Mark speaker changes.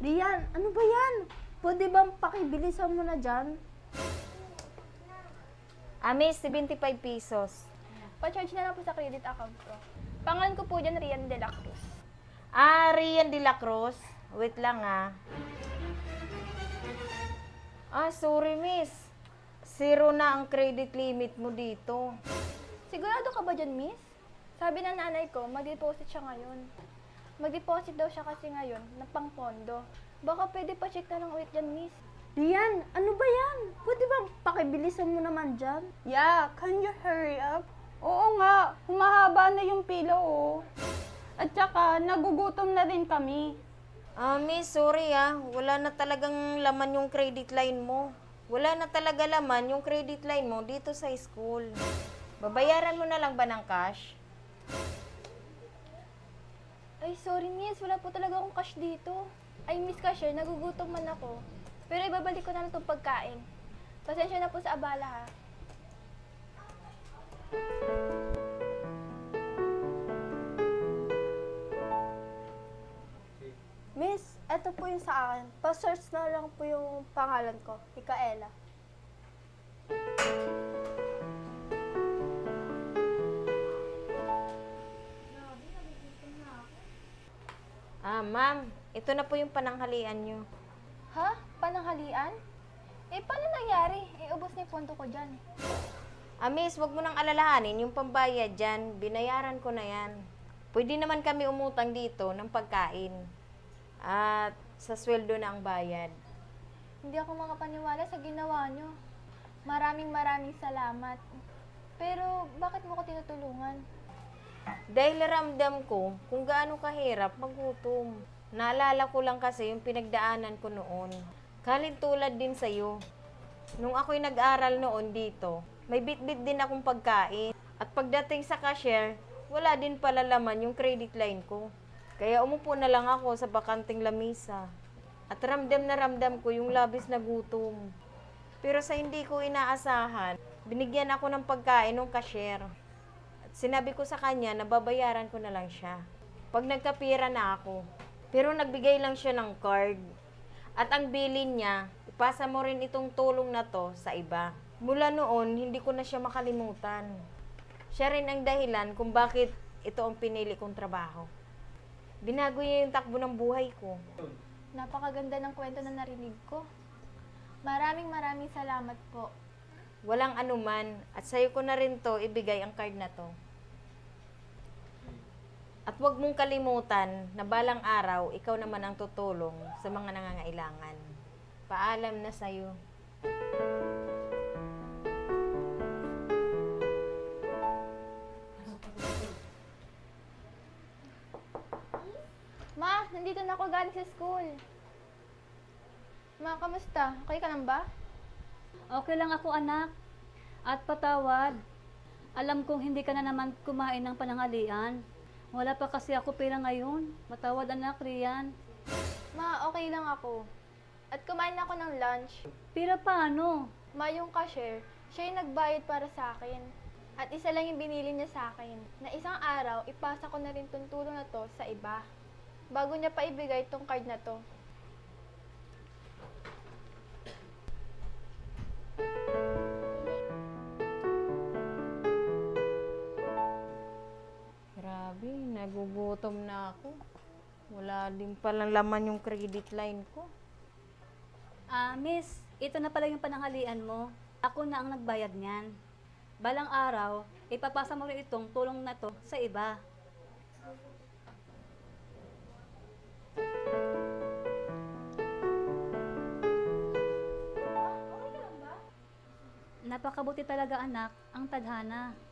Speaker 1: Rian, ano ba yan? Pwede bang pakibilisan mo na dyan?
Speaker 2: Miss, 75 pesos.
Speaker 3: Pa-charge na lang po sa credit account ko. Pangalan ko po dyan, Rian de la Cruz.
Speaker 2: Rian de la Cruz. Wait lang sorry miss. Zero na ang credit limit mo dito.
Speaker 3: Sigurado ka ba dyan, miss? Sabi ng nanay ko, mag-deposit siya ngayon. Mag-deposit daw siya kasi ngayon ng pangpondo. Baka pwede pa check na lang ulit dyan, miss.
Speaker 1: Rian, ano ba yan? Pwede bang pakibilisan mo naman dyan?
Speaker 4: Yeah, can you hurry up? Oo nga, humahaba na yung pila oh. At saka, nagugutom na rin kami.
Speaker 2: Miss, sorry wala na talagang laman yung credit line mo. Wala na talaga laman yung credit line mo dito sa school. Babayaran mo na lang ba ng cash?
Speaker 3: Ay, sorry, miss. Wala po talaga akong cash dito. Ay, miss cashier, nagugutom man ako. Pero ibabalik ko na lang itong pagkain. Pasensya na po sa abala, ha.
Speaker 1: Miss, eto po yung sa akin. Pa-search na lang po yung pangalan ko, Micaela.
Speaker 2: Ma'am, ito na po yung pananghalian nyo.
Speaker 3: Ha? Pananghalian? Paano nangyari? Ubos na yung pondo ko dyan.
Speaker 2: Miss, wag mo nang alalahanin yung pambayad dyan. Binayaran ko na yan. Pwede naman kami umutang dito ng pagkain. At sa sweldo na ang bayad.
Speaker 3: Hindi ako makapaniwala sa ginawa nyo. Maraming salamat. Pero, bakit mo ko tinutulungan?
Speaker 2: Dahil ramdam ko kung gaano kahirap magutom. Naalala ko lang kasi yung pinagdaanan ko noon. Tulad din sa'yo. Nung ako'y nag-aral noon dito, may bit-bit din akong pagkain. At pagdating sa cashier, wala din pala laman yung credit line ko. Kaya umupo na lang ako sa bakanting lamisa. At ramdam na ramdam ko yung labis na gutom. Pero sa hindi ko inaasahan, binigyan ako ng pagkain ng cashier. Sinabi ko sa kanya na babayaran ko na lang siya. Pag nagkapira na ako. Pero nagbigay lang siya ng card. At ang bilin niya, ipasa mo rin itong tulong na to sa iba. Mula noon, hindi ko na siya makalimutan. Siya rin ang dahilan kung bakit ito ang pinili kong trabaho. Binago niya yung takbo ng buhay ko.
Speaker 3: Napakaganda ng kwento na narinig ko. Maraming salamat po.
Speaker 2: Walang anuman at sa'yo ko na rin to ibigay ang card na to. At huwag mong kalimutan na balang araw, ikaw naman ang tutulong sa mga nangangailangan. Paalam na sa'yo.
Speaker 3: Ma, nandito na ako galing sa school. Ma, kamusta? Okay ka lang ba?
Speaker 5: Okay lang ako anak. At patawad. Alam kong hindi ka na naman kumain ng pananghalian. Wala pa kasi ako pera ngayon. Matawad anak, Rian.
Speaker 3: Ma, okay lang ako. At kumain ako ng lunch.
Speaker 5: Pera paano?
Speaker 3: Ma, yung cashier, siya yung nagbayad para sa akin. At isa lang yung binili niya sa akin. Na isang araw, ipasa ko na rin tong tulong na to sa iba. Bago niya pa ibigay tong card na to.
Speaker 2: Grabe, nagugutom na ako. Wala din palang laman yung credit line ko.
Speaker 5: Miss, ito na pala yung pananghalian mo. Ako na ang nagbayad niyan. Balang araw, ipapasa mo rin itong tulong na to sa iba. Napakabuti talaga anak, ang tadhana.